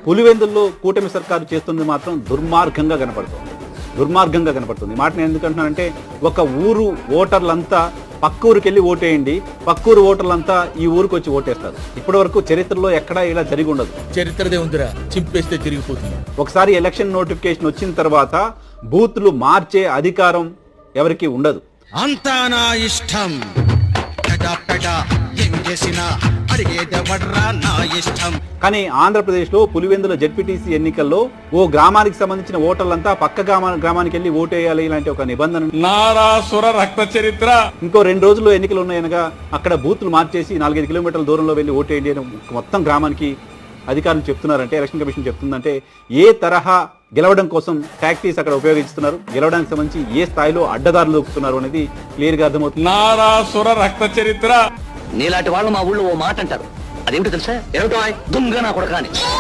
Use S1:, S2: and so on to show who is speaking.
S1: పులివెందుల్లో కూటమి సర్కారు చేస్తుంది మాత్రం దుర్మార్గంగా కనపడుతుంది. మాట నేను ఎందుకంటున్నానంటే, ఒక ఊరు ఓటర్లంతా పక్క ఊరికి వెళ్ళి ఓటేయండి, పక్కూరు ఓటర్లంతా ఈ ఊరికి వచ్చి ఓటేస్తారు. ఇప్పటి వరకు చరిత్రలో ఎక్కడా ఇలా జరిగి ఉండదు.
S2: చరిత్రదే ఉందిరా, చింపేస్తే తిరిగిపోతుంది.
S1: ఒకసారి ఎలక్షన్ నోటిఫికేషన్ వచ్చిన తర్వాత బూత్లు మార్చే అధికారం ఎవరికి ఉండదు.
S3: అంతా నా ఇష్టం,
S1: కానీ ఆంధ్రప్రదేశ్లో పులివెందుల జెడ్పీటీసీ ఎన్నికల్లో ఓ గ్రామానికి సంబంధించిన ఓటర్లంతా పక్క గ్రామానికి వెళ్ళి ఓటేయాలి ఇలాంటి ఒక నిబంధన
S2: నారాసుర రక్త చరిత్ర.
S1: ఇంకో 2 రోజుల్లో ఎన్నికలు ఉన్నాయనగా అక్కడ బూత్లు మార్చేసి 4-5 కిలోమీటర్ల దూరంలో వెళ్ళి ఓటేయండి అని మొత్తం గ్రామానికి అధికారులు చెప్తున్నారంటే, ఎలక్షన్ కమిషన్ చెప్తుందంటే ఏ తరహా గెలవడం కోసం టాక్టీస్ అక్కడ ఉపయోగిస్తున్నారు, గెలవడానికి సంబంధించి ఏ స్థాయిలో అడ్డదారులు దొక్కుతున్నారు అనేది క్లియర్ గా అర్థమవుతుంది.
S2: నారాసుర రక్త చరిత్ర.
S4: నీలాంటి వాళ్ళు మా ఊళ్ళో ఓ మాట అంటారు, అదేమిటో తెలుసా? ఏమిటో దుమ్గా నా కొడకాని.